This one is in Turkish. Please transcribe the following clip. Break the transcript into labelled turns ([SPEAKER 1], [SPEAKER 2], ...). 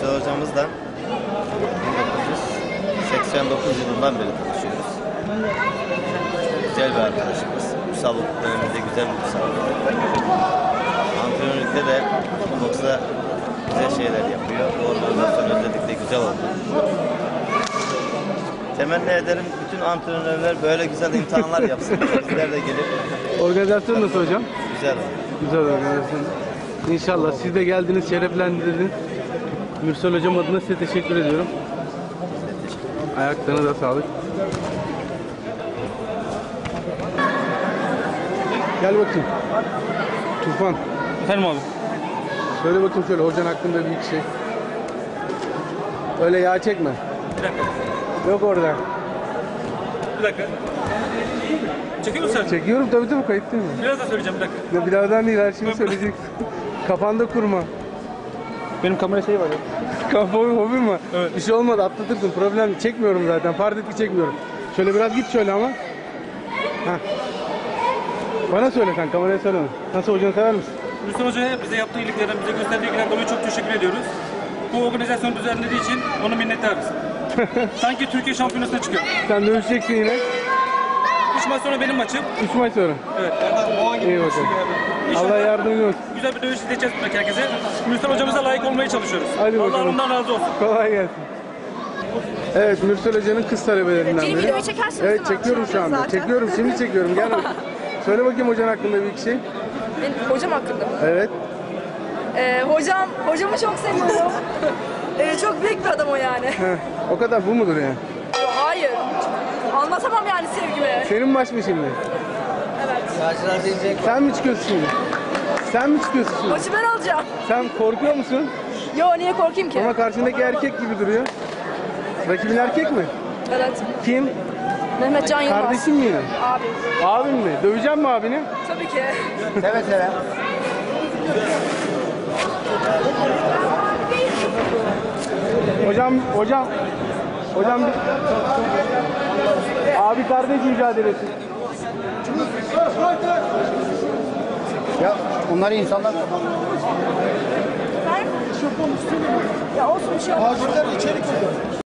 [SPEAKER 1] Mürsel hocamızla 1989 yılından beri tanışıyoruz. Güzel bir arkadaşımız. Ünsal döneminde güzel bir Ünsal. Antrenörlükte de boksta güzel şeyler yapıyor. Bu organizasyon özellikle güzel oldu. Temenni ederim bütün antrenörler böyle güzel imtihanlar yapsın. Bizler de gelip.
[SPEAKER 2] Organizasyon nasıl hocam?
[SPEAKER 1] Güzel oldu.
[SPEAKER 2] Güzel organizasyon. İnşallah siz de geldiniz, şereflendirdiniz. Mürsel hocam adına size teşekkür ediyorum. Ayaklarına da sağlık. Gel bakayım. Tufan.
[SPEAKER 3] Efendim abi.
[SPEAKER 2] Söyle bakayım şöyle hocan hakkında bir şey. Öyle yağ çekme.
[SPEAKER 3] Bir dakika.
[SPEAKER 2] Yok orada.
[SPEAKER 3] Bir dakika. Çekiyor musun sen?
[SPEAKER 2] Çekiyorum tabii kayıt değil mi?
[SPEAKER 3] Biraz daha söyleyeceğim bir dakika.
[SPEAKER 2] Ya birazdan değil her şeyi söyleyeceksin. Kafanda kurma.
[SPEAKER 3] Benim kamera şeyi var ya.
[SPEAKER 2] Kafa hobim var.
[SPEAKER 3] Evet.
[SPEAKER 2] Bir şey olmadı atlatırsın. Problem değil. Çekmiyorum zaten. Fark et ki çekmiyorum. Şöyle biraz git şöyle ama. Heh. Bana söyle sen kameraya söyleme. Nasıl hocanı sever misin?
[SPEAKER 3] Müslüm Hoca'ya bize yaptığı iyiliklerden, bize gösterdiği ilgilerden dolayı çok teşekkür ediyoruz. Bu organizasyonu düzenlediği için ona minnettarız. Sanki Türkiye şampiyonasına çıkıyor.
[SPEAKER 2] Sen dövüşeceksin yine.
[SPEAKER 3] 3 maç sonra benim maçım.
[SPEAKER 2] 3 maç sonra.
[SPEAKER 3] Evet.
[SPEAKER 2] İyi bakalım.
[SPEAKER 3] İnşallah
[SPEAKER 2] Allah yardımcın olsun.
[SPEAKER 3] güzel bir dövüş izleyeceğiz buradaki herkese. Müslüm Hocamıza layık olmaya çalışıyoruz.
[SPEAKER 2] Hadi
[SPEAKER 3] Allah
[SPEAKER 2] bakalım.
[SPEAKER 3] ondan razı olsun.
[SPEAKER 2] Kolay gelsin. Evet Mürsel Hoca'nın kız talebelerinden
[SPEAKER 4] Benim
[SPEAKER 2] biri.
[SPEAKER 4] videoyu çekersiniz
[SPEAKER 2] Evet
[SPEAKER 4] değil mi?
[SPEAKER 2] çekiyorum şu anda.
[SPEAKER 4] Zaten.
[SPEAKER 2] Çekiyorum şimdi çekiyorum. Gel bakayım. Söyle bakayım hocan hakkında bir iki şey.
[SPEAKER 4] Benim hocam hakkında mı?
[SPEAKER 2] Evet.
[SPEAKER 4] Hocamı çok seviyorum. Çok büyük bir adam o yani.
[SPEAKER 2] Heh. O kadar bu mudur yani?
[SPEAKER 4] Hayır. Anlatamam yani sevgimi.
[SPEAKER 2] Senin maç mı şimdi?
[SPEAKER 4] Evet.
[SPEAKER 2] Sen mi çıkıyorsun şimdi? Sen mi çıkıyorsun şimdi?
[SPEAKER 4] Maçı ben alacağım.
[SPEAKER 2] Sen korkuyor musun?
[SPEAKER 4] Yo niye korkayım ki?
[SPEAKER 2] Ama karşındaki erkek gibi duruyor. Rakibin erkek mi?
[SPEAKER 4] Evet.
[SPEAKER 2] Kim?
[SPEAKER 4] Mehmet Can Yılmaz.
[SPEAKER 2] Kardeşin mi yine?
[SPEAKER 4] Abi.
[SPEAKER 2] Abin mi? Döveceğim mi abini?
[SPEAKER 4] Tabii ki.
[SPEAKER 2] Seve seve. Hocam bir... Abi kardeş mücadelesi.
[SPEAKER 5] Ya onlar insanlar.
[SPEAKER 4] Ya olsun bir şey olmaz.
[SPEAKER 5] Acilden içeri giriyor.